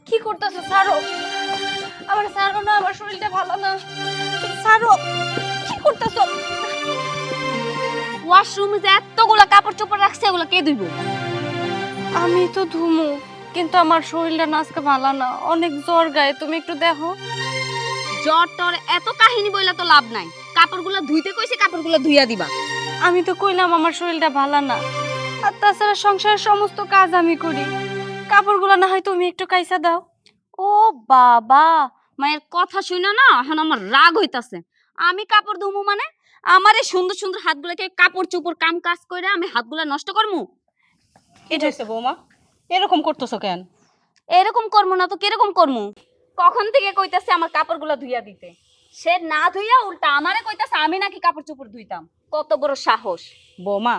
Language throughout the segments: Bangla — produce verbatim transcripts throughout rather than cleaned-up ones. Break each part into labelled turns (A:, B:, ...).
A: কি করতেছো? ছাড়ো আমার, ছাড়ো না, আমার শরীরটা ভালো না। ছাড়ো, কি করতেছো?
B: ওয়াশরুমে যে এতগুলা কাপড় চোপড় রাখছে এগুলো কে ধুইব?
A: আমি তো ধুমু, কিন্তু আমার শরীরটা না আজকে ভালো না, অনেক জ্বর গায়ে, তুমি একটু দেখো।
B: জ্বর টর এত কাহিনী বইলা তো লাভ নাই। কাপড়গুলো ধুইতে কইছে, কাপড়গুলো ধুইয়া দিবা।
A: আমি তো কইলাম আমার শরীরটা ভালো না, আর তাছাড়া সংসারের সমস্ত কাজ আমি করি, কাপড়গুলো না হয় তুমি একটু কাইসা দাও।
B: ও বাবা, মায়ের কথা শুনো না এখন আমার রাগ হইতাছে। আমি কাপড় ধুমু মানে আমার এই সুন্দর সুন্দর হাতগুলোকে কাপড় চোপড় কাম কাজ কইরা আমি হাতগুলা নষ্ট করমু?
C: এটা হচ্ছে বৌমা, এরকম করতেছো কেন?
B: এরকম করমু না তো কিরকম করমু? কখন থেকে কইতাছে আমার কাপড়গুলো ধুইয়া দিতে, সে না ধুইয়া উল্টা আমারে কইতাছে আমি নাকি কাপড় চোপড় ধুইতাম। কত বড় সাহস!
C: বৌমা,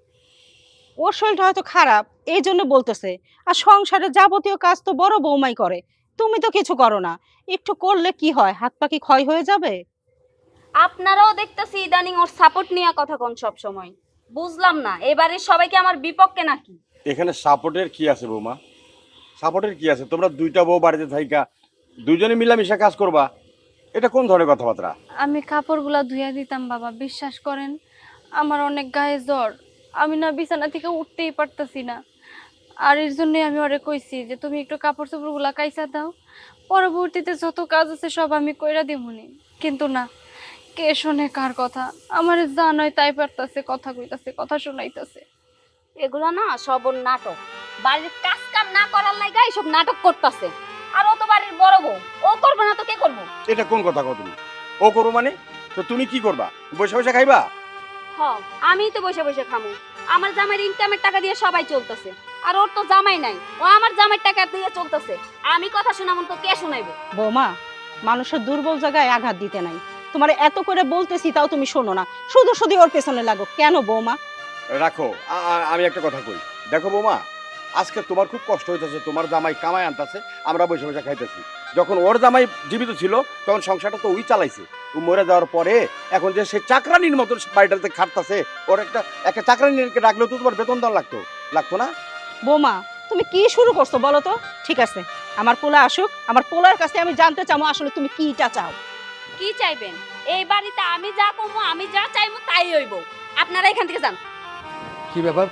C: ওর শরীরটা হয়তো খারাপ এই জন্য বলতেছে, আর সংসারের যাবতীয় কাজ তো বড় বৌমাই করে, তুমি তো কিছু করো না। একটু করলে কি হয়, হাত পা কি ক্ষয় হয়ে যাবে?
B: আপনারাও দেখতেছি ইদানিং ওর সাপোর্ট নিয়ে কথা কোন সব সময়। বুঝলাম না এবারে সবাইকে আমার বিপক্ষে নাকি?
D: এখানে সাপোর্টের কি আছে বৌমা? সাপোর্টের কি আছে? তোমরা দুইটা বউ বাড়িতে থাইকা দুইজনে মিলামিশা কাজ করবা, এটা কোন ধরনের কথাবার্তা?
A: আমি কাপড়গুলা ধুইয়া দিতাম বাবা, বিশ্বাস করেন আমার অনেক গায়ে জ্বর, আমি না বিছানা থেকে উঠতেই পারতাছি না। আর এর জন্যই আমি ওরে কইছি যে তুমি একটু কাপড় চোপড়গুলা কাইসা দাও, পরবর্তীতে যত কাজ আছে সব আমি কইরা দিমুনি। কিন্তু না, কে শোনে কার কথা? আমার যা নয় তাই পারতাছে, কথা কইতাছে, কথা শোনাইতাছে।
B: এগুলো না সব ওর নাটক। বাড়ির কাজ কাম না করার লাগা এইসব নাটক করতেছে। আর ও তো বাড়ির বড় বউ, ও করবে না তো কে করবো?
D: এটা কোন কথা কও তুমি? ও করো মানে? তো তুমি কি করবা? বসে বসে খাইবা?
B: হ, আমিই তো বসে বসে খামু। আমার জামাইয়ের ইনকামের টাকা দিয়ে সবাই চলতেছে, আর ওর তো জামাই নাই, ও আমার জামাইয়ের টাকা দিয়ে চলতেছে। আমি কথা শোনাবো তো কে শোনাইবে?
C: বৌমা, মানুষের দুর্বল জায়গায় আঘাত দিতে নাই। তোমার এত করে বলতেছি তাও তুমি শোনো না, শুধু শুধু ওর পেছনে লাগো কেন বৌমা?
D: রাখো, আ- আ- আমি একটা কথা কই। দেখো বৌমা, আজকে তোমার খুব কষ্ট হইতেছে, তোমার জামাই কামাই আনতেছে, আমরা বসে বসে খাইতেছি। যখন ওর জামাই জীবিত ছিল তখন সংসারটা তো ওই চালাইছে। ও মরে যাওয়ার পরে এখন যে সে চাকরানির মতন বাড়িটাতে খাটতাছে, ওর একটা একটা চাকরানিকে রাখলেও তো তোমার বেতন দেওয়া লাগতো লাগতো না?
C: বৌমা, তুমি কি শুরু করছো বলো তো? ঠিক আছে, আমার পোলা আসুক, আমার পোলার কাছে আমি জানতে চাবো আসলে তুমি কিটা চাও।
B: কি চাইবেন? এই বাড়িতে আমি যা করবো, আমি যা চাইবো তাই হইব। আপনারা এখান থেকে যান।
E: কি ব্যাপার?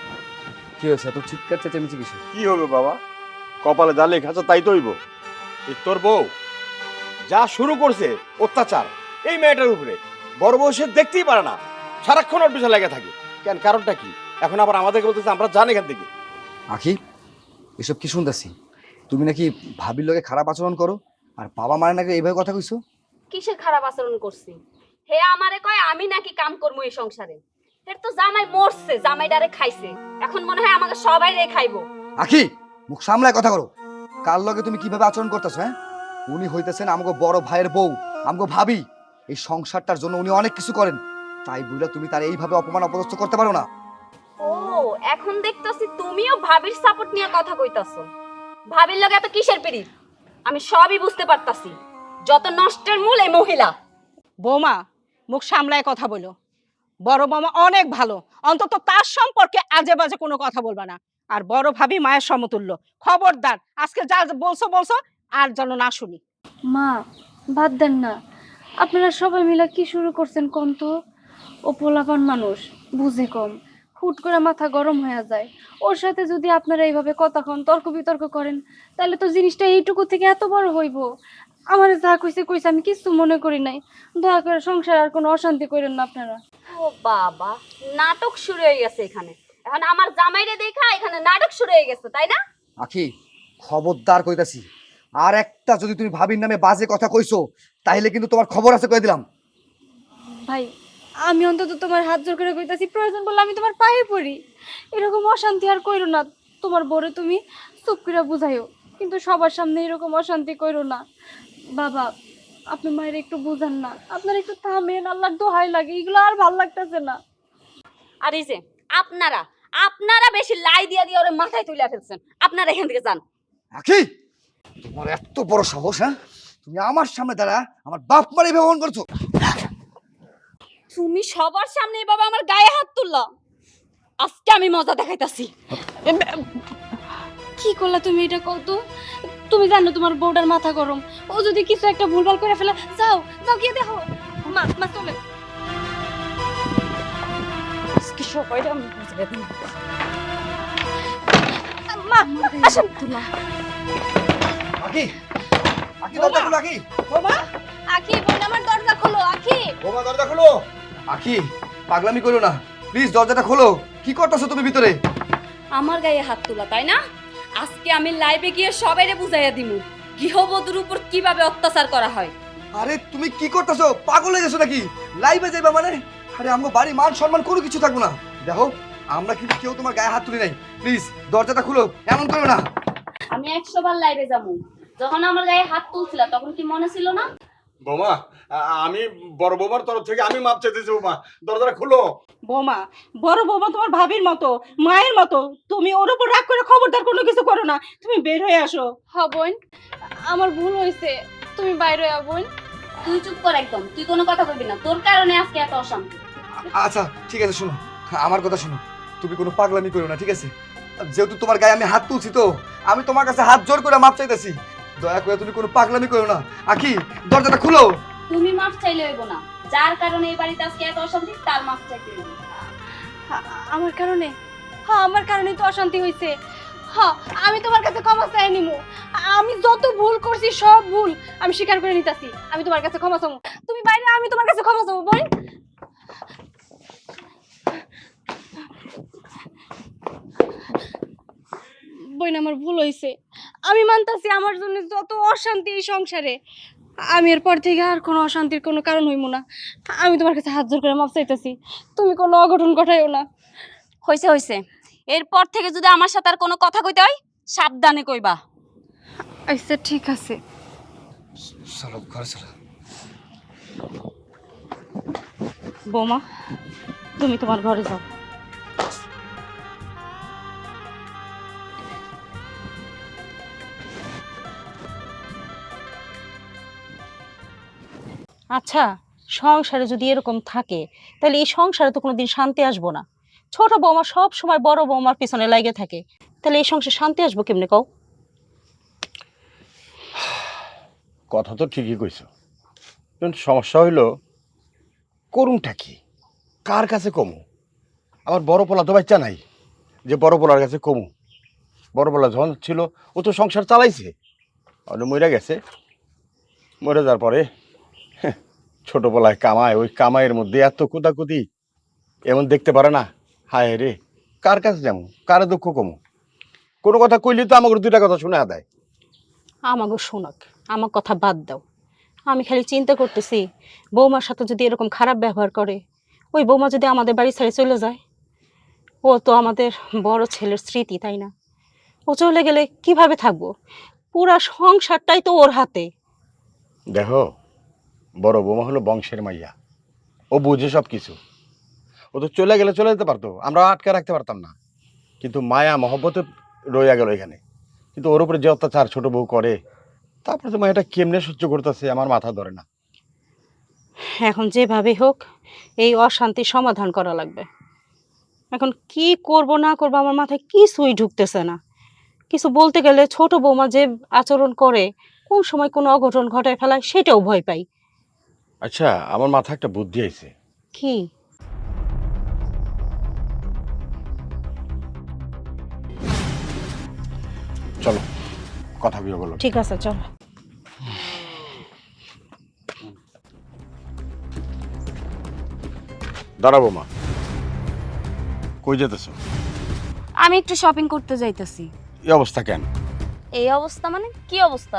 E: কি হয়েছে এত চিৎকার চেঁচামেচি কিসে?
D: কি হবে বাবা, কপালে যা লেখা আছে তাই তো হইব। এই তোর বউ যা শুরু করছে অত্যাচার এই মেয়েটার উপরে, বড় বউ সে দেখতেই পারে না, সারাক্ষণ ওর পিছনে লেগে থাকে। কেন, কারণটা কি? এখন আবার আমাদেরকে বলতেছে আমরা জানি এখান থেকে।
E: আখি, এসব কি শুনতেছি? তুমি নাকি ভাবির লগে খারাপ আচরণ করো, আর বাবা মারে নাকি এইভাবে কথা কইছো?
B: কিসের খারাপ আচরণ করছি? হে আমারে কয় আমি নাকি কাম করবো এই সংসারে। এর তো জামাই মরছে, জামাই ডারে খাইছে, এখন মনে হয় আমাকে সবাই রে খাইবো।
E: আখি, মুখ সামলায় কথা করো। কার লগে তুমি কিভাবে আচরণ করতেছো? হ্যাঁ, উনি হইতেছেন আমগো বড় ভাইয়ের বউ, আমগো ভাবি। এই সংসারটার জন্য উনি অনেক কিছু করেন, তাই বুঝলে তুমি তার এইভাবে অপমান অপদস্থ করতে পারো না।
B: ও, এখন দেখতাছি তুমিও ভাবির সাপোর্ট নিয়ে কথা কইতাছো। ভাবির লগে এত কিসের পিরিত? আমি সবই বুঝতে পারতাছি। যত নষ্টের মূল এই মহিলা।
C: বৌমা, মুখ সামলায় কথা বলো। বড় মামা অনেক ভালো, অন্তত তার সম্পর্কে আজে বাজে কোনো কথা বলবা না। আর বড় ভাবি মায়ের সমতুল্য। খবরদার, আজকে যা বলছো বলছো, আর যেন না শুনি।
A: মা, বাদ দেন না, আপনারা সবাই মিলে কি শুরু করছেন কোন তো? ও পোলাপান মানুষ, বুঝে কম, হুট করে মাথা গরম হয়ে যায়। ওর সাথে যদি আপনারা এইভাবে কথা কন, তর্ক বিতর্ক করেন, তাহলে তো জিনিসটা এইটুকু থেকে এত বড় হইব। আমার যা কইছে কইছে, আমি কিছু মনে করি নাই। দয়া করে সংসার আর কোনো অশান্তি করেন না আপনারা।
B: ও বাবা, নাটক শুরু হয়ে গেছে এখানে। এখন আমার জামাইরে দেখা এখানে নাটক শুরু হয়ে গেছে, তাই না?
E: আখি, খবরদার কইতাছি, আর একটা যদি তুমি ভাবির নামে বাজে কথা কইছো তাইলে কিন্তু তোমার খবর আছে কই দিলাম।
A: ভাই, আমি অন্তত তোমার হাত জোর করে কইতাছি, প্রয়োজন বললে আমি তোমার পায়ে পড়ি। এরকম অশান্তি আর কইরো না। তোমার বরে তুমি চুপ করে বুঝাইও, কিন্তু সবার সামনে এরকম অশান্তি কইরো না। বাবা, আপনি মায়ের একটু বুঝান না, আপনার একটু থামেন, আল্লাহর দোহাই লাগে, এগুলো আর ভাল লাগতেছে না।
B: আর এই যে আপনারা আপনারা বেশি লাই দিয়া দিয়ে ওরে মাথায় তুলে ফেলছেন। আপনারা এখান থেকে যান।
E: আখি, তোমার এত বড় সাহস! হ্যাঁ, তুমি আমার সামনে দাঁড়া আমার বাপ মারে ব্যবহার করছো।
B: তুমি সবার সামনে এভাবে আমার গায়ে হাত তুললা, আজকে আমি মজা দেখাইতাছি।
A: কি করলা তুমি এটা কত? তুমি জানো তোমার বউটার মাথা গরম, ও যদি কিছু একটা ভুলভাল করে ফেলে, যাও যাও গিয়ে দেখো। মা মা চলে।
B: আজকে সবাইরে আমি বুঝাই দিই।
A: মা আসেন।
E: আকি আকি দরজা খোলো আকি
C: বোমা
A: আখি বোন আমার দরজা খোলো আখি।
E: বোমা দরজা খোলো। আকি পাগলামি করো না, প্লিজ দরজাটা খোলো। কি করতেছো তুমি ভিতরে?
B: আমার গায়ে হাত তোলা তাই না? আজকে আমি লাইভে গিয়ে সবাইরে বুঝাইয়া দিমু গৃহবধূর উপর কিভাবে অত্যাচার করা হয়।
E: আরে তুমি কি করতেছো? পাগল হয়ে গেছো নাকি? লাইভে যাইবা মানে? আরে আমগো বাড়ি মান সম্মান কোনো কিছু থাকবো না। দেখো আমরা কিন্তু কেউ তোমার গায়ে হাত তুলি নাই, প্লিজ দরজাটা খুলো, এমন করো না।
B: আমি একশো বার লাইভে যাবো, যখন আমার গায়ে হাত তুলছিল তখন কি মনে ছিল না?
D: বৌমা আমি বড় বৌমার তরফ থেকে আমি মাপ চাইতেছি। বৌমা দরজাটা খুলো।
C: বোমা বড় বৌমা তোমার ভাবির মতো, মায়ের মতো, তুমি ওর উপর রাগ করে খবরদার কোনো কিছু করো না। তুমি বের হয়ে আসো।
A: হ বোন, আমার ভুল হয়েছে, তুমি বাইরে আ বোন।
B: তুই চুপ কর একদম, তুই কোনো কথা বলবি না, তোর কারণে আজকে এত অশান্তি।
E: আচ্ছা ঠিক আছে, শোনো আমার কথা শোনো, তুমি কোনো পাগলামি করো না, ঠিক আছে? যেহেতু তোমার গায়ে আমি হাত তুলছি, তো আমি তোমার কাছে হাত জোর করে মাপ চাইতেছি, দয়া করে তুমি কোনো পাগলামি করো না। আখি দরজাটা খুলো।
B: তুমি মাফ চাইলে হইব না, যার কারণে এই বাড়িতে আজকে এত অশান্তি তার মাফ চাইতে হইব।
A: আ- আমার কারণে? হ্যাঁ আমার কারণেই তো অশান্তি হয়েছে। হ্যাঁ আমি তোমার কাছে ক্ষমা চাই নিমু। আমি যত ভুল করছি সব ভুল আমি স্বীকার করে নিতেছি। আমি তোমার কাছে ক্ষমা চাবো। তুমি বাইরে, আমি তোমার কাছে ক্ষমা চাবো বোন। বোন আমার ভুল হয়েছে, আমি মানতাছি আমার জন্য যত অশান্তি এই সংসারে, আমি এরপর থেকে আর কোনো অশান্তির কোনো কারণ হইব না। আমি তোমার কাছে হাত জোর করে মাপ চাইতেছি, তুমি কোনো অঘটন ঘটাইও না।
B: হইছে হইছে, এরপর থেকে যদি আমার সাথে আর কোনো কথা কইতে হয় সাবধানে কইবা।
A: আচ্ছা ঠিক আছে।
E: চলো ঘরে চলো।
C: বৌমা তুমি তোমার ঘরে যাও। আচ্ছা, সংসারে যদি এরকম থাকে তাহলে এই সংসারে তো কোনোদিন শান্তি আসবো না। ছোট বৌমা সব সময় বড় বৌমার পিছনে লাগে থাকে, তাহলে এই সংসারে শান্তি আসবো কেমনে কও?
D: কথা তো ঠিকই কইছো, কিন্তু সমস্যা হইলো করুনটা কি, কার কাছে কমু? আমার বড় পোলা তো বাচ্চা নাই যে বড় পোলার কাছে কমু। বড় পোলা যখন ছিল ও তো সংসার চালাইছে, আর মরে গেছে। মরে যাওয়ার পরে হ্যাঁ, ছোট পোলায় কামায়, ওই কামাইয়ের মধ্যে এত কুদাকুদি এমন দেখতে পারে না। হায় রে, কার কাছে যাবো, কার দুঃখ কমু? কোনো কথা কইলে তো আমাকে দুইটা কথা শুনে দেয়।
C: আমাকে শোনাক, আমার কথা বাদ দাও। আমি খালি চিন্তা করতেছি বৌমার সাথে যদি এরকম খারাপ ব্যবহার করে, ওই বৌমা যদি আমাদের বাড়ি ছেড়ে চলে যায়, ও তো আমাদের বড় ছেলের স্মৃতি, তাই না? ও চলে গেলে কিভাবে থাকবো? পুরা সংসারটাই তো ওর হাতে।
D: দেখো, বড় বৌমা হলো বংশের মাইয়া, ও বুঝে সব কিছু। ও তো চলে গেলে চলে যেতে পারতো, আমরা আটকে রাখতে পারতাম না। কিন্তু মায়া মহব্বতে রইয়া গেল এখানে। কিন্তু ওর উপরে যে অত্যাচার ছোট বউ করে, তারপরে তো মায়াটা কেমনে সহ্য করতেছে আমার মাথা ধরে না।
C: এখন যেভাবে হোক এই অশান্তির সমাধান করা লাগবে। এখন কি করব না করব আমার মাথায় কিছুই ঢুকতেছে না। কিছু বলতে গেলে ছোট বৌমা যে আচরণ করে, কোন সময় কোনো অঘটন ঘটায় ফেলায় সেটাও ভয় পাই।
D: আচ্ছা, আমার মাথায় একটা বুদ্ধি আইছে।
C: কি?
D: চলো কথা বিয়ে বলো।
C: ঠিক আছে চল।
D: দাঁড়াবো মা, কই যেতেছো?
B: আমি একটু শপিং করতে যাইতাছি।
D: এই অবস্থা কেন?
B: এই অবস্থা মানে কি অবস্থা?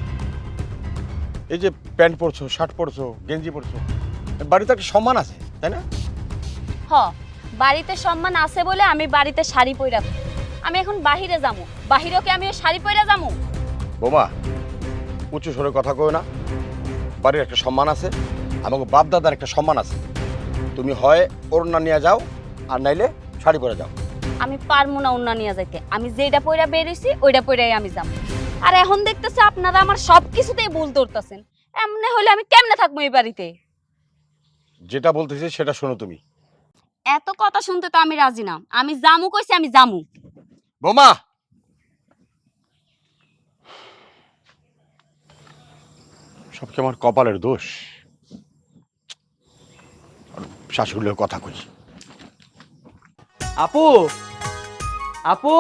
D: এই যে প্যান্ট পরছো, শার্ট পরছো, গেঞ্জি পরছো, বাড়িতে একটা সম্মান আছে তাই না?
B: হ, বাড়িতে সম্মান আছে বলে আমি বাড়িতে শাড়ি পইরা থাকি। আমি এখন বাহিরে যাবো, বাহিরেও কি আমি ওই শাড়ি পইরা যাবো?
D: বোমা উঁচু স্বরে কথা কই না। বাড়ির একটা সম্মান আছে, আমাকে বাপ দাদার একটা সম্মান আছে। তুমি হয় ওড়না নিয়ে যাও, আর নাইলে শাড়ি পরে যাও।
B: আমি পারবো না অন্য নিয়ে যাইতে। আমি যেটা পইরা বের হইছি ওইটা পইরাই আমি যাবো। আর এখন দেখতেছি আপনারা আমার সব কিছুতেই ভুল ধরতেছেন। এমনি হলে আমি কেমনে থাকবো এই বাড়িতে?
D: যেটা বলতেছি সেটা শোনো তুমি।
B: এত কথা শুনতে তো আমি রাজি না। আমি জামু কইছি, আমি জামু।
D: বোমা সব কি আমার কপালের দোষ? শাশুড়ির কথা কই।
F: আপু, আপু,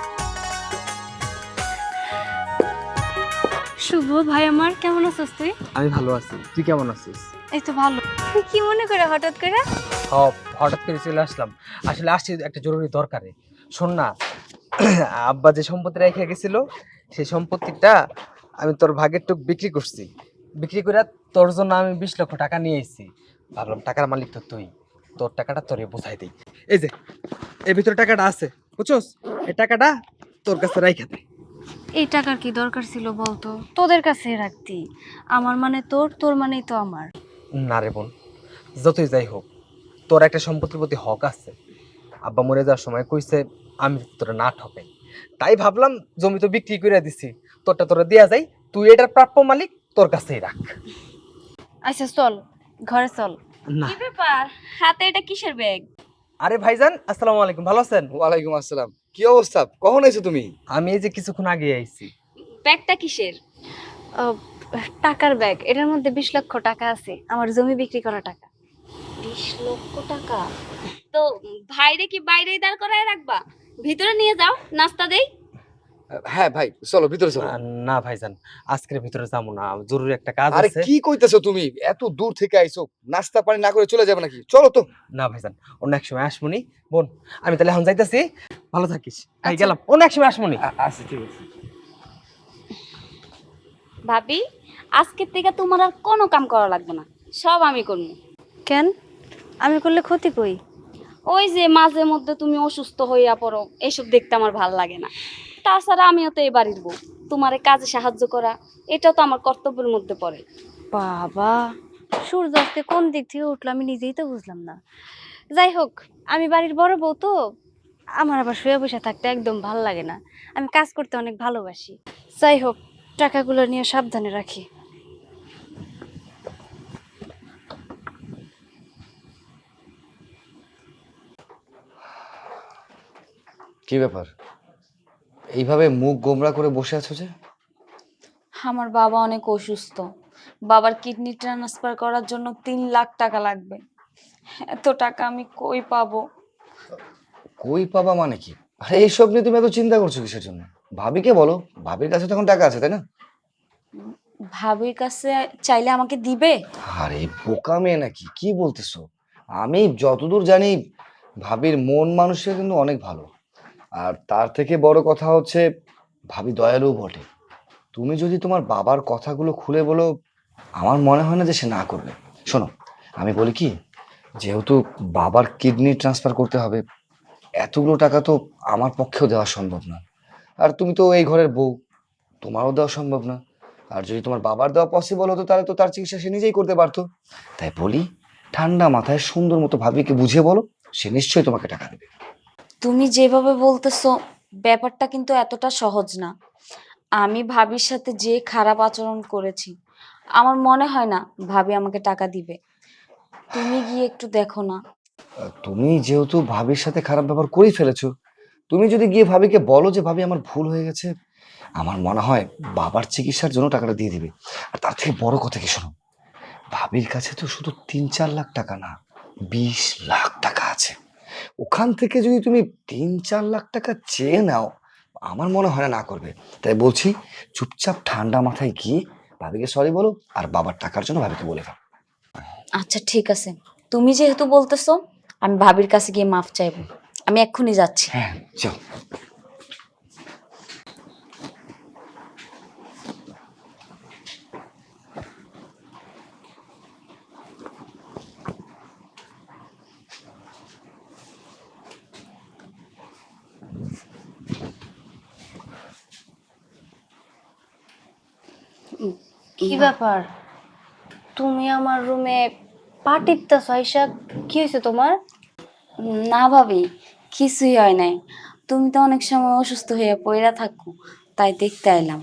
A: শুভ ভাই আমার, কেমন আছিস তুই?
F: আমি ভালো আছি। তুই কেমন আছিস?
A: এই তো ভালো। তুই কি মনে করে হঠাৎ করে?
F: সব হঠাৎ করে চলে আসলাম। আসলে আসছি একটা জরুরি দরকারে। শোন না, আব্বা যে সম্পত্তি রেখে গেছিল সেই সম্পত্তিটা আমি তোর ভাগের টুক বিক্রি করছি। বিক্রি করে তোর জন্য আমি বিশ লক্ষ টাকা নিয়ে এসেছি। ভাবলাম টাকার মালিক তো তুই, তোর টাকাটা তোরে বোঝাই দিই। এই যে এর ভিতরে টাকাটা আছে, বুঝছস? এই টাকাটা তোর কাছে রাইখা দে।
A: এই টাকার কি দরকার ছিল বলতো? তোদের কাছে রাখতি। আমার মানে তোর, তোর মানেই তো আমার।
F: না রে বোন, যতই যাই হোক তোর একটা সম্পত্তির প্রতি হক আছে। আব্বা মরে যাওয়ার সময় কইছে আমি তোরা না ঠকাই, তাই ভাবলাম জমি তো বিক্রি করে দিছি, তোরটা তোরা দেয়া যায়, তুই এটার প্রাপ্য মালিক, তোর কাছেই রাখ।
A: আচ্ছা চল, ঘরে চল।
F: না
B: কি ব্যাপার, হাতে এটা কিসের ব্যাগ?
F: আরে ভাইজান, আসসালামু আলাইকুম, ভালো আছেন?
E: ওয়ালাইকুম আসসালাম। কি অবস্থা? কখন এসো তুমি?
F: আমি এই যে কিছুক্ষণ আগে আইছি।
B: ব্যাগটা কিসের?
A: আহ, টাকার ব্যাগ, এটার মধ্যে বিশ লক্ষ টাকা আছে, আমার জমি বিক্রি করা টাকা।
B: বিশ লক্ষ টাকা? তো ভাইরে কি বাইরেই দাঁড় করায় রাখবা? ভিতরে নিয়ে যাও, নাস্তা দেই।
E: হ্যাঁ ভাই, চলো ভিতরে চলো।
F: আহ, না ভাইজান, আজকের ভিতরে যাবো না, জরুরি একটা কাজ
E: আরে
F: আছে।
E: কি কইতেছো তুমি? এত দূর থেকে আইছো, নাস্তা পানি না করে চলে যাবে নাকি? চলো তো।
F: না ভাইজান, অন্য এক সময় আসমনি। বোন, আমি তাহলে এখন যাইতাছি, ভালো থাকিস। ভাই
A: আচ্ছা।
F: গেলাম, অন্য এক সময় আসমনি।
E: আচ্ছা ঠিক আছে।
B: ভাবি, আজকের থেকে তোমার আর কোনো কাম করা লাগবে না, সব আমি করবো।
A: কেন? আমি করলে ক্ষতি কই?
B: ওই যে মাঝে মধ্যে তুমি অসুস্থ হইয়া পড়ো, এসব দেখতে আমার ভাল লাগে না। তাছাড়া আমিও তো এই বাড়ির বউ, তোমার কাজে সাহায্য করা এটাও তো আমার কর্তব্যের মধ্যে পড়ে।
A: বাবা, সূর্য আজকে কোন দিক থেকে উঠলো আমি নিজেই তো বুঝলাম না। যাই হোক, আমি বাড়ির বড় বউ তো, আমার আবার শুয়ে বসে থাকতে একদম ভালো লাগে না। আমি কাজ করতে অনেক ভালোবাসি। যাই হোক, টাকাগুলো নিয়ে সাবধানে রাখি।
E: কি ব্যাপার, এইভাবে মুখ গোমরা করে বসে আছো যে?
B: আমার বাবা অনেক অসুস্থ, বাবার কিডনি ট্রান্সফার করার জন্য তিন লাখ টাকা লাগবে। এত টাকা আমি কই পাবো?
E: কই পাবা মানে কি? আরে এইসব নিয়ে তুমি এত চিন্তা করছো কিসের জন্য? ভাবিকে বলো, ভাবির কাছে তখন টাকা আছে, তাই না?
B: ভাবির কাছে চাইলে আমাকে দিবে?
E: আরে বোকা মেয়ে নাকি, কি বলতেছো? আমি যতদূর জানি ভাবির মন মানুষের কিন্তু অনেক ভালো। আর তার থেকে বড় কথা হচ্ছে ভাবি দয়ালু বটে। তুমি যদি তোমার বাবার কথাগুলো খুলে বলো, আমার মনে হয় না যে সে না করবে। শোনো, আমি বলি কি, যেহেতু বাবার কিডনি ট্রান্সফার করতে হবে, এতগুলো টাকা তো আমার পক্ষেও দেওয়া সম্ভব না। আর তুমি তো এই ঘরের বউ, তোমারও দেওয়া সম্ভব না। আর যদি তোমার বাবার দেওয়া পসিবল হতো তাহলে তো তার চিকিৎসা সে নিজেই করতে পারতো। তাই বলি, ঠান্ডা মাথায় সুন্দর মতো ভাবিকে বুঝিয়ে বলো, সে নিশ্চয়ই তোমাকে টাকা দেবে।
B: তুমি যেভাবে বলতেছো ব্যাপারটা কিন্তু এতটা সহজ না। আমি ভাবির সাথে যে খারাপ আচরণ করেছি, আমার মনে হয় না ভাবি আমাকে টাকা দিবে। তুমি গিয়ে একটু দেখো না।
E: আহ, তুমি যেহেতু ভাবির সাথে খারাপ ব্যবহার করেই ফেলেছো, তুমি যদি গিয়ে ভাবিকে বলো যে ভাবি আমার ভুল হয়ে গেছে, আমার মনে হয় বাবার চিকিৎসার জন্য টাকাটা দিয়ে দিবে। আর তার থেকে বড় কথা কি, শোনো, ভাবির কাছে তো শুধু তিন চার লাখ টাকা না, বিশ লাখ টাকা আছে। ওখান থেকে যদি তুমি তিন চার লাখ টাকা চেয়ে নাও, আমার মনে হয় না না করবে। তাই বলছি, চুপচাপ ঠান্ডা মাথায় গিয়ে ভাবিকে সরি বলো, আর বাবার টাকার জন্য ভাবিকে বলে দাও।
B: আচ্ছা ঠিক আছে, তুমি যেহেতু বলতেছো আমি ভাবির কাছে গিয়ে মাফ চাইবো। আমি এক্ষুনি যাচ্ছি।
E: হ্যাঁ চল।
A: কি ব্যাপার, তুমি আমার রুমে পা টিপতেছ? আয়শা, কি হয়েছে তোমার?
B: না ভাবি, কিছুই হয় নাই। তুমি তো অনেক সময় অসুস্থ হয়ে পড়া থাকো, তাই দেখতে এলাম।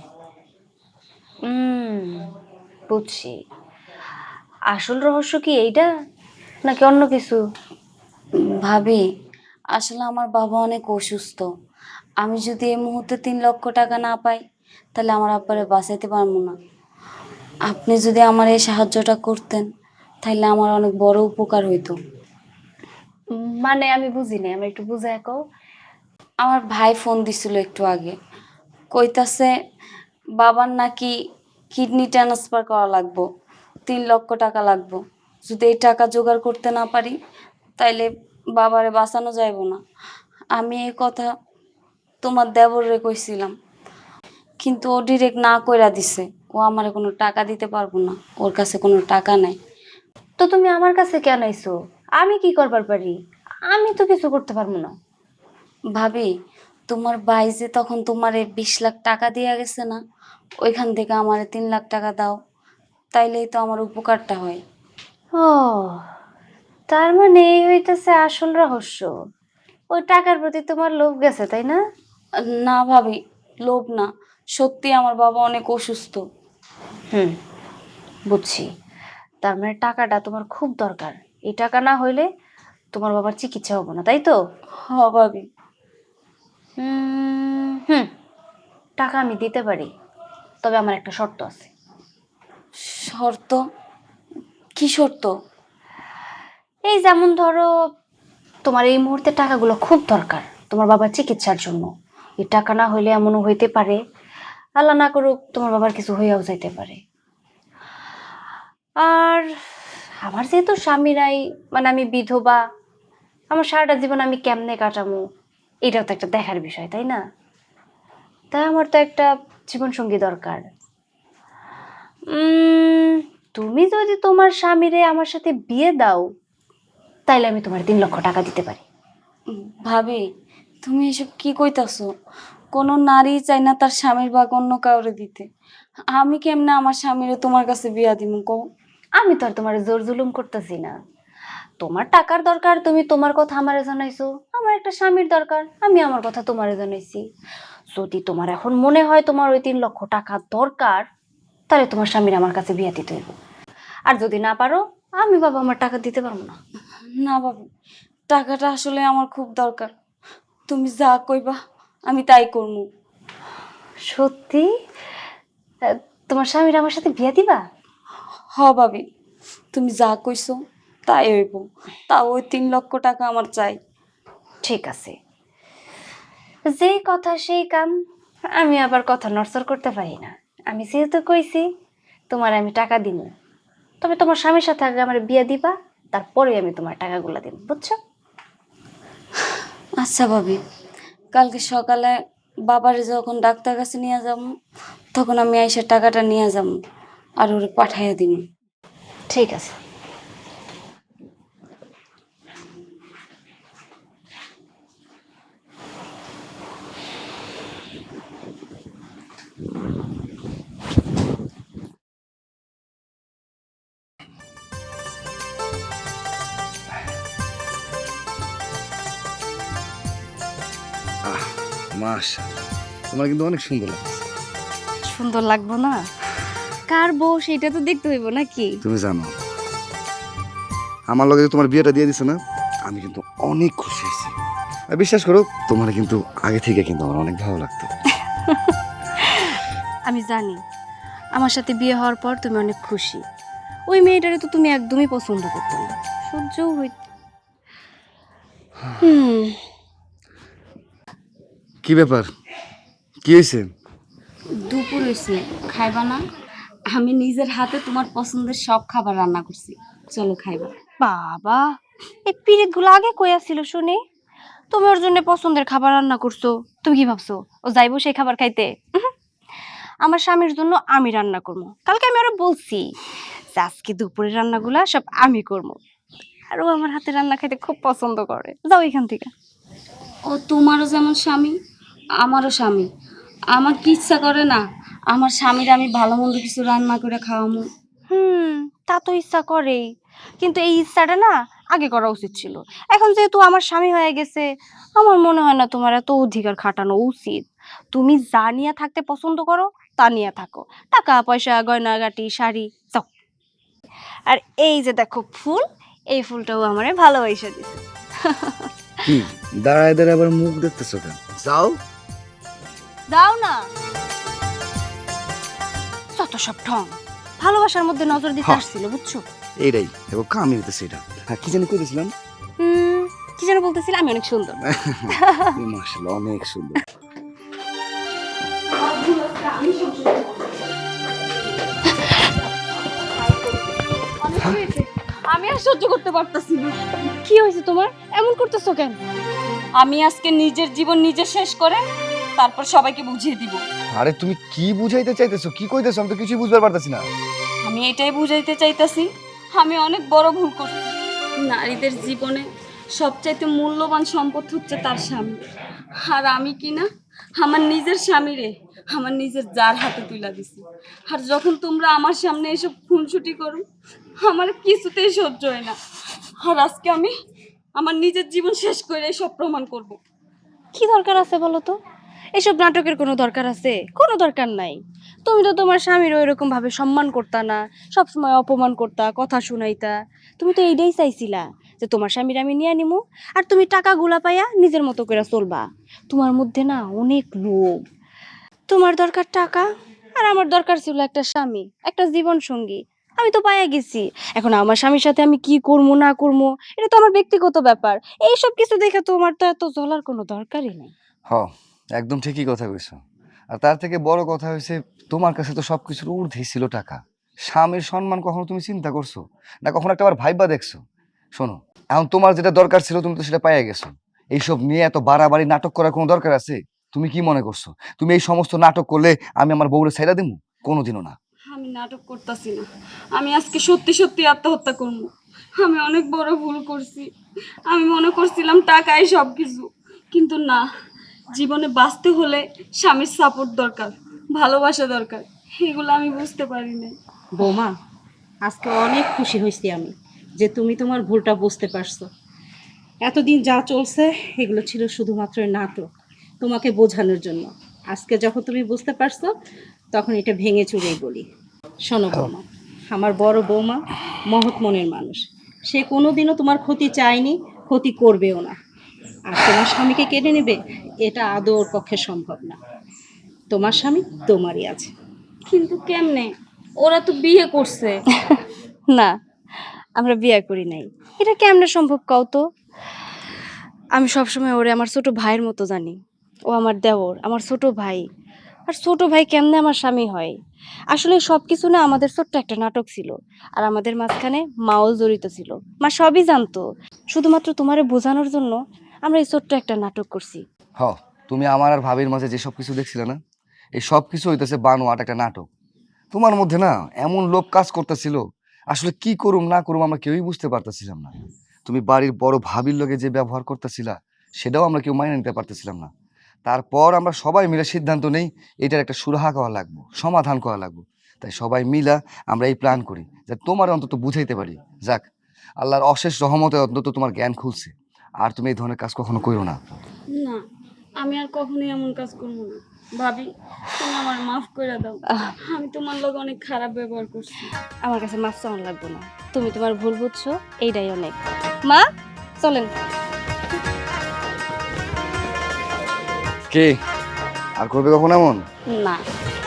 A: হুম, বুঝছি। আসল রহস্য কি এইটা নাকি অন্য কিছু?
B: ভাবি, আসলে আমার বাবা অনেক অসুস্থ। আমি যদি এই মুহূর্তে তিন লক্ষ টাকা না পাই তাহলে আমার আব্বারে বাঁচাইতে পারবো না। আপনি যদি আমার এই সাহায্যটা করতেন তাহলে আমার অনেক বড় উপকার হইতো।
A: উম, মানে আমি বুঝি নাই, আমি একটু বুঝায় কও।
B: আমার ভাই ফোন দিছিল একটু আগে, কইতাছে বাবার নাকি কিডনি ট্রান্সফার করা লাগবো, তিন লক্ষ টাকা লাগবো। যদি এই টাকা জোগাড় করতে না পারি তাইলে বাবারে বাঁচানো যাইব না। আমি এই কথা তোমার দেবরে কইছিলাম, কিন্তু ও ডিরেক্ট না কইরা দিছে, ও আমারে কোনো টাকা দিতে পারবো না, ওর কাছে কোনো টাকা নাই।
A: তো তুমি আমার কাছে কেন আইছো? আমি কি করবার পারি? আমি তো কিছু করতে পারবো না।
B: ভাবি, তোমার ভাই যে তখন তোমারে বিশ লাখ টাকা দিয়ে গেছে না, ওইখান থেকে আমারে তিন লাখ টাকা দাও, তাইলেই তো আমার উপকারটা হয়।
A: ও, তার মানে এই হইতেছে আসল রহস্য। ওই টাকার প্রতি তোমার লোভ গেছে, তাই না?
B: না ভাবি, লোভ না, সত্যি আমার বাবা অনেক অসুস্থ।
A: হুম, বুঝছি। তার মানে টাকাটা তোমার খুব দরকার। এই টাকা না হইলে তোমার বাবার চিকিৎসা হবো না, তাই তো?
B: হ ভাবি।
A: উম, হুম, টাকা আমি দিতে পারি, তবে আমার একটা শর্ত আছে।
B: শর্ত? কি শর্ত?
A: এই যেমন ধরো, তোমার এই মুহূর্তে টাকাগুলো খুব দরকার তোমার বাবার চিকিৎসার জন্য। এই টাকা না হইলে এমনও হইতে পারে, আল্লাহ না করুক, তোমার বাবার কিছু হইয়াও যাইতে পারে। আর আমার যেহেতু স্বামী নাই, মানে আমি বিধবা, আমার সারাটা জীবন আমি কেমনে কাটামো, এটাও তো একটা দেখার বিষয়, তাই না? তাই আমার তো একটা জীবন সঙ্গী দরকার। উম, তুমি যদি তোমার স্বামীরে আমার সাথে বিয়ে দাও, তাইলে আমি তোমার তিন লক্ষ টাকা দিতে পারি।
B: উম, ভাবি, তুমি এসব কি কইতাছো? কোনো নারী চাই না তার স্বামীর ভাগ অন্য কাউরে দিতে। আমি কেমনে আমার স্বামীরে তোমার কাছে বিয়া দিমু কও?
A: আমি তো আর তোমার জোর জুলুম করতেছি না। তোমার টাকার দরকার, তুমি তোমার কথা আমারে জানাইছো। আমার একটা স্বামীর দরকার, আমি আমার কথা তোমারে জানাইছি। যদি তোমার এখন মনে হয় তোমার ওই তিন লক্ষ টাকা দরকার, তাহলে তোমার স্বামীর আমার কাছে বিয়া দিতে হইব। আর যদি না পারো, আমি বাবা আমার টাকা দিতে পারবো না।
B: না ভাবি, টাকাটা আসলে আমার খুব দরকার। তুমি যা কইবা আমি তাই করবো।
A: সত্যি? আহ, তোমার স্বামীর আমার সাথে বিয়া দিবা?
B: হ ভাবি, তুমি যা কইছো তাই হইব। তা ওই তিন লক্ষ টাকা আমার চাই।
A: ঠিক আছে, যেই কথা সেই কাম। আমি আবার কথা নড়চড় করতে পারি না। আমি যেহেতু কইছি তোমার আমি টাকা দিব, তবে তোমার স্বামীর সাথে আগে আমার বিয়ে দিবা, তারপরে আমি তোমার টাকাগুলো দিব, বুঝছো?
B: আচ্ছা ভাবি, কালকে সকালে বাবারে যখন ডাক্তার কাছে নিয়ে যাব, তখন আমি আইসা টাকাটা নিয়ে যাব আর ওরে পাঠাইয়া দিব।
A: ঠিক আছে।
E: মাশাআল্লাহ, তোমার কিন্তু অনেক সুন্দর লাগছে।
A: সুন্দর লাগবো না? কার বউ সেটা তো দেখতে হইব নাকি?
E: তুমি জানো, আমার লগে যে তোমার বিয়েটা দিয়ে দিছে না, আমি কিন্তু অনেক খুশি হয়েছি। আর বিশ্বাস করো, তোমার কিন্তু আগে থেকে কিন্তু আমার অনেক ভালো লাগতো।
A: আমি জানি আমার সাথে বিয়ে হওয়ার পর তুমি অনেক খুশি। ওই মেয়েটারে তো তুমি একদমই পছন্দ করতে না, সহ্যও হইত। হুম,
E: কি ব্যাপার, কি হয়েছে?
B: দুপুর হয়েছে, খাইবা না? আমি নিজের হাতে তোমার পছন্দের সব খাবার রান্না করছি, চলো খাইবা।
A: বাবা, এই পিরিত গুলো আগে কই আসছিল শুনি? তুমি ওর জন্য পছন্দের খাবার রান্না করছো, তুমি কি ভাবছো ও যাইবো সেই খাবার খাইতে? উহুম। আমার স্বামীর জন্য আমি রান্না করবো। কালকে আমি ওরা বলছি যে আজকে দুপুরের রান্নাগুলা সব আমি করবো। আর ও আমার হাতে রান্না খাইতে খুব পছন্দ করে। যাও এখান থেকে।
B: ও তোমারও যেমন স্বামী, আমারও স্বামী। আমার কি ইচ্ছা করে না আমার স্বামীর আমি ভালো মন্দ কিছু রান্না করে খাওয়ামু?
A: হুম, তা তো ইচ্ছা করেই, কিন্তু এই ইচ্ছাটা না আগে করা উচিত ছিল। এখন যেহেতু আমার স্বামী হয়ে গেছে, আমার মনে হয় না তোমার এত অধিকার খাটানো উচিত। তুমি যা নিয়ে থাকতে পছন্দ করো তা নিয়ে থাকো, টাকা পয়সা গয়নাগাটি শাড়ি, যাও। আর এই যে দেখো ফুল, এই ফুলটাও আমারে ভালোবাসা দিছে।
E: কি দাঁড়ায় দাঁড়ায় আবার মুখ দেখতেছো কেন? যাও।
A: দাও না, যত সব ঢং। ভালোবাসার মধ্যে নজর দিতে
E: হ্যাঁ।
A: আসছিল বুঝছো?
E: এইটাই দেখো কামি হইতেছে এটা। হ্যাঁ কি জানি কইতেছিলাম?
A: হুম, কি যেন বলতেছিল, আমি অনেক সুন্দর।
E: মাশাআল্লাহ অনেক সুন্দর।
A: অনেক হয়েছে। আমি আর সহ্য করতে পারতাছি না। কি হয়েছে তোমার? এমন করতেছো কেন?
B: আমি আজকে নিজের জীবন নিজে শেষ করে তারপর সবাইকে বুঝিয়ে দিব।
E: আরে তুমি কি বুঝাইতে চাইতেছো, কি কইতেছো? আমি তো কিছুই বুঝতে পারতাছি না।
B: আমি এটাই বুঝাইতে চাইতাছি আমি অনেক বড় ভুল করছি। নারীদের জীবনে সবচাইতে মূল্যবান সম্পদ হচ্ছে তার স্বামী, আর আমি কি না আমার নিজের স্বামীরে আমার নিজের জার হাতে তুলে দিছি। আর যখন তোমরা আমার সামনে এসব খুনসুটি করো আমার কিছুতেই সহ্য হয় না। আর আজকে আমি আমার নিজের জীবন শেষ করে সব প্রমাণ করব।
A: কি দরকার আছে বলো তো? এসব নাটকের কোনো দরকার আছে? কোনো দরকার নাই। তুমি তো তোমার স্বামীর ওইরকম ভাবে সম্মান করতা না, সবসময় অপমান করতা, কথা শুনাইতা। তুমি তো এইটাই চাইছিলা যে তোমার স্বামীর আমি নিয়ে নিমু, আর তুমি টাকাগুলা পাইয়া নিজের মতো করে চলবা। তোমার মধ্যে না অনেক লোভ। তোমার দরকার টাকা, আর আমার দরকার ছিল একটা স্বামী, একটা জীবন সঙ্গী। আমি তো পাইয়া গেছি। এখন আমার স্বামীর সাথে আমি কি করবো না করবো এটা তো আমার ব্যক্তিগত ব্যাপার। এইসব কিছু দেখে তোমার তো এত জ্বলার কোনো দরকারই নেই।
E: হ একদম ঠিকই কথা কইছো। আর তার থেকে বড় কথা হয়েছে তোমার কাছে তো সবকিছুর ঊর্ধ্বে ছিল টাকা। স্বামীর সম্মান কখনো তুমি চিন্তা করছো না, কখনো একটা বার ভাইবা দেখছো? শোনো, এখন তোমার যেটা দরকার ছিল তুমি তো সেটা পাইয়া গেছো। এইসব নিয়ে এত বাড়াবাড়ি নাটক করার কোনো দরকার আছে? তুমি কি মনে করছো তুমি এই সমস্ত নাটক করলে আমি আমার বউরে ছাইড়া দিমু? কোনোদিনও না।
B: আমি নাটক করতেছি না, আমি আজকে সত্যি সত্যি আত্মহত্যা করবো। আমি অনেক বড় ভুল করছি। আমি মনে করছিলাম টাকাই সব কিছু, কিন্তু না, জীবনে বাঁচতে হলে স্বামীর সাপোর্ট দরকার, ভালোবাসা দরকার। এগুলো আমি বুঝতে পারি না।
C: বৌমা, আজকে অনেক খুশি হয়েছি আমি যে তুমি তোমার ভুলটা বুঝতে পারছো। এতদিন যা চলছে এগুলো ছিল শুধুমাত্র নাটক, তোমাকে বোঝানোর জন্য। আজকে যখন তুমি বুঝতে পারছো তখন এটা ভেঙে চুরেই বলি। শোনো বৌমা, আমার বড় বৌমা মহৎ মনের মানুষ। সে কোনোদিনও তোমার ক্ষতি চায়নি, ক্ষতি করবেও না। আর তোমার স্বামীকে কেড়ে নেবে এটা আদৌ ওর পক্ষে সম্ভব না। তোমার স্বামী তোমারই আছে।
B: কিন্তু কেমনে? ওরা তো বিয়ে করছে।
A: না, আমরা বিয়ে করি নাই। এটা কেমনে সম্ভব কও তো? আমি সবসময় ওরে আমার ছোট ভাইয়ের মতো জানি। ও আমার দেওর, আমার ছোট ভাই। আর ছোট ভাই কেমনে আমার স্বামী হয়? আসলে সব কিছু না আমাদের ছোট্ট একটা নাটক ছিল। আর আমাদের মাঝখানে মাও জড়িত ছিল। মা সবই জানতো। শুধুমাত্র তোমারে বোঝানোর জন্য আমরা এই ছোট্ট একটা নাটক করছি।
E: হ তুমি আমার আর ভাবির মাঝে যে সব কিছু দেখছিলে না, এই সব কিছু হইতেছে বানোয়াট একটা নাটক। তোমার মধ্যে না এমন লোভ কাজ করতেছিল, আসলে কি করুম না করুম আমরা কেউই বুঝতে পারতেছিলাম না। তুমি বাড়ির বড় ভাবির লগে যে ব্যবহার করতেছিলা সেটাও আমরা কেউ মাইনে নিতে পারতেছিলাম না। তারপর আমরা সবাই মিলে সিদ্ধান্ত নেই এটার একটা সুরাহা করা লাগবো, সমাধান করা লাগবো। তাই সবাই মিলা আমরা এই প্ল্যান করি যে তোমার অন্তত বুঝাইতে পারি। যাক, আল্লাহর অশেষ রহমতে অন্তত তোমার জ্ঞান খুলছে। আর তুমি এই ধরনের কাজ কখনো করো না।
B: না, আমি আর কখনোই এমন কাজ করবো না। ভাবি, তুমি আমার মাফ করে দাও। আমি তোমার লোক অনেক খারাপ ব্যবহার করছি।
A: আমার কাছে মাফ চাওয়ান লাগবে না। তুমি তোমার ভুল বুঝছো, এইটাই অনেক। মা, চলেন।
E: কে আর করবে কখন এমন?
A: না,